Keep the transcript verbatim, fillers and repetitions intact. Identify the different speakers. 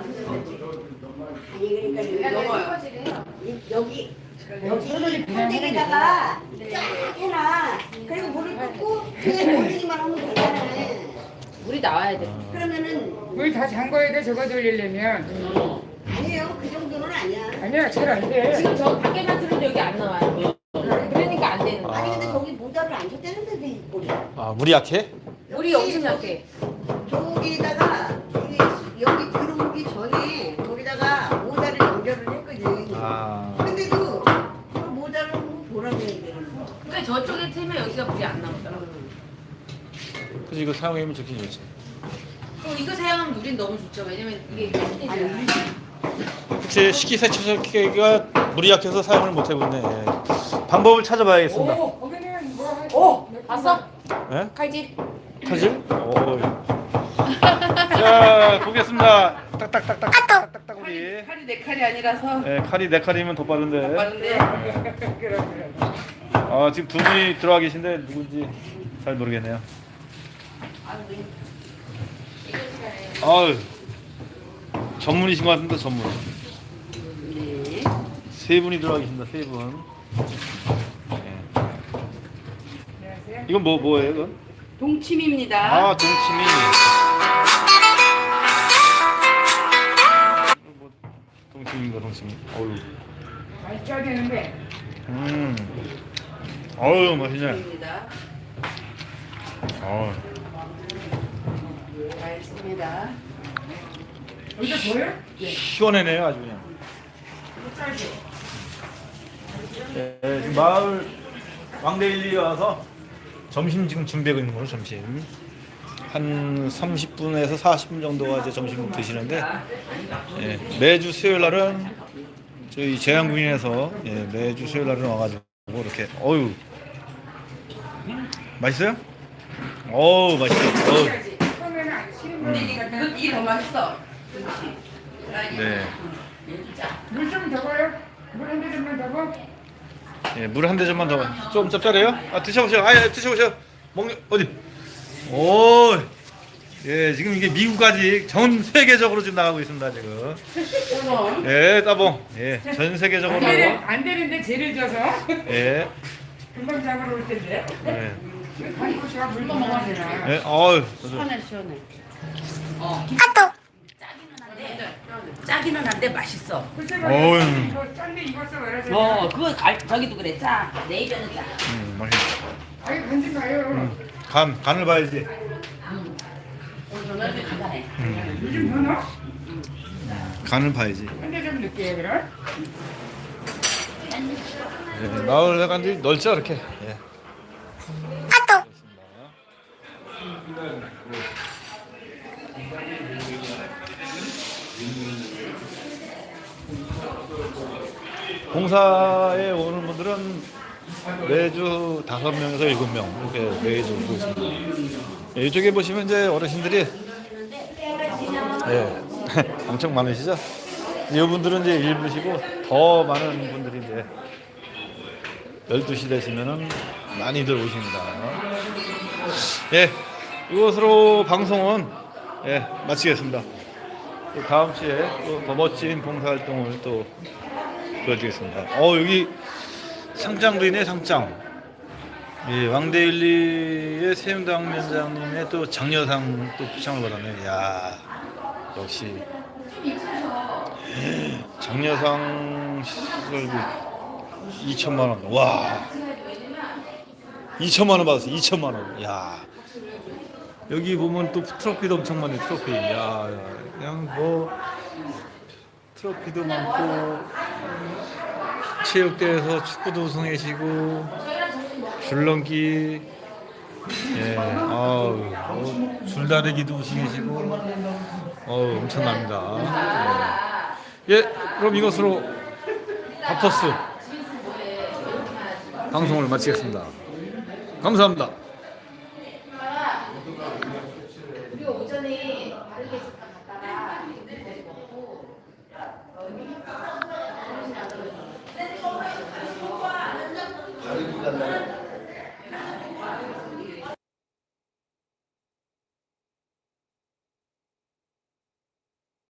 Speaker 1: 아니 그러니까 넘어요. 여기 여기 판대기다가 쫙 해놔. 그리고 물을 붓고 그냥 돌리기만 하면 되잖아.
Speaker 2: 물이 나와야 돼.
Speaker 1: 그러면은
Speaker 3: 물 다 잠궈야 돼. 저거 돌리려면.
Speaker 1: 아니에요. 그 정도는 아니야.
Speaker 3: 아니야, 잘 안 돼.
Speaker 2: 지금 저 밖에만 틀어도 여기 안 나와요. 그러니까 안 되는 거야.
Speaker 1: 아니 근데 저기 모자를 안 쳤다는데도 이 꼴이.
Speaker 4: 아 물이 약해?
Speaker 2: 물이 엄청 약해.
Speaker 1: 저기다가 이게 여기 들어오기 전에 거기다가 모자를 연결을 했거든.
Speaker 4: 아
Speaker 1: 근데도 그 모자를 보라고 얘기했어.
Speaker 2: 그러니까 저쪽에 틀면 여기가 물이 안 나오더라고.
Speaker 4: 그래서 이거 사용하면 좋긴 좋지.
Speaker 2: 또 이거 사용하면 물이 너무 좋죠. 왜냐면 이게
Speaker 1: 아니
Speaker 4: 그치 식기세척기가 물이 약해서 사용을 못 해보네. 예. 방법을 찾아봐야겠습니다.
Speaker 2: 오!
Speaker 3: 거기는 뭐
Speaker 2: 오! 봤어?
Speaker 4: 예?
Speaker 2: 칼질?
Speaker 4: 타질? 오. 자 보겠습니다. 딱딱딱딱 딱딱딱 우리.
Speaker 2: 칼이 내 칼이 아니라서
Speaker 4: 예, 칼이 네 칼이면 더 빠른데.
Speaker 2: 빠른데.
Speaker 4: 아 지금 두 분이 들어와 계신데 누군지 잘 모르겠네요. 아유 전문이신 것 같은데 전문.
Speaker 2: 네.
Speaker 4: 세 분이 들어와 계신다. 세 분. 예.
Speaker 3: 안녕하세요.
Speaker 4: 이건 뭐 뭐예요? 이건?
Speaker 2: 동치미입니다.
Speaker 4: 아 동치미. 뭐, 동치미인가 동치미. 어유.
Speaker 3: 많이 쪄야 되는데.
Speaker 4: 음. 어유 맛있네.
Speaker 2: 입니다.
Speaker 4: 어.
Speaker 2: 맛있습니다.
Speaker 3: 여기다 보여?
Speaker 4: 시원해네요 아주 그냥. 예, 지금 마을 왕대일리에 와서 점심 지금 준비하고 있는 거로 점심. 한 삼십 분에서 사십 분 정도가 이제 점심 드시는데 예, 매주 수요일 날은 저희 재양군인에서 예, 매주 수요일 날은 와가지고 이렇게 어유 맛있어요? 어우 맛있어. 어우.
Speaker 3: 처음에는 안 싫은
Speaker 2: 이게, 이게 더 맛있어.
Speaker 4: 네.
Speaker 3: 물좀 더 봐요. 물 한 대좀만 더 봐.
Speaker 4: 예, 물 한 대접만 더. 좀 짭짤해요? 아 드셔보세요. 아 예, 드셔보세요. 먹는 어디? 오, 예, 지금 이게 미국까지 전 세계적으로 지금 나가고 있습니다 지금. 예, 따봉. 예, 전 세계적으로.
Speaker 3: 안, 되는, 안 되는데 재를 져서
Speaker 4: 예,
Speaker 3: 금방 잡으러 올 텐데.
Speaker 4: 예,
Speaker 3: 한국씨가 물도 먹어야 되나.
Speaker 4: 예, 어우.
Speaker 2: 시원해 시원해. 어. 짜기는 한데 맛있어.
Speaker 3: 글쎄
Speaker 4: 어이.
Speaker 3: 말이야. 이거 짠데 익었어 말하자.
Speaker 2: 어, 그거 갈, 저기도 그래. 짜. 내 입에는 짜.
Speaker 4: 음, 맛있어.
Speaker 3: 아니 간지 마요.
Speaker 4: 간, 간을 봐야지.
Speaker 2: 오늘 저녁에 간단해.
Speaker 3: 물 좀 더 넣어.
Speaker 4: 간을 봐야지.
Speaker 3: 한 대 좀 넣게 그럼.
Speaker 4: 예, 마을 간지 넓죠 이렇게. 예. 봉사에 오는 분들은 매주 다섯 명에서 일곱 명 이렇게 매주 오고 있습니다. 예, 이쪽에 보시면 이제 어르신들이 예, 엄청 많으시죠? 이분들은 이제 일부시고 더 많은 분들이 이제 열두 시 되시면은 많이들 오십니다. 예, 이것으로 방송은 예, 마치겠습니다. 또 다음 주에 또 더 멋진 봉사활동을 또 보여드리겠습니다. 어 여기 상장도 있네 상장. 예, 왕대일리의 세운당 위원장님의 또 장려상 또 표창을 받았네. 야 역시 예, 장려상 시설비 이천만 원. 와 이천만 원 받았어. 이천만 원. 야 여기 보면 또 트로피도 엄청 많네. 트로피. 야, 야 그냥 뭐 트로피도 많고 체육대회에서 축구도 우승하시고 줄넘기 예, 아우 뭐 줄다리기도 우승하시고 어우 엄청납니다. 예. 예, 그럼 이것으로 바퍼스 방송을 마치겠습니다. 감사합니다.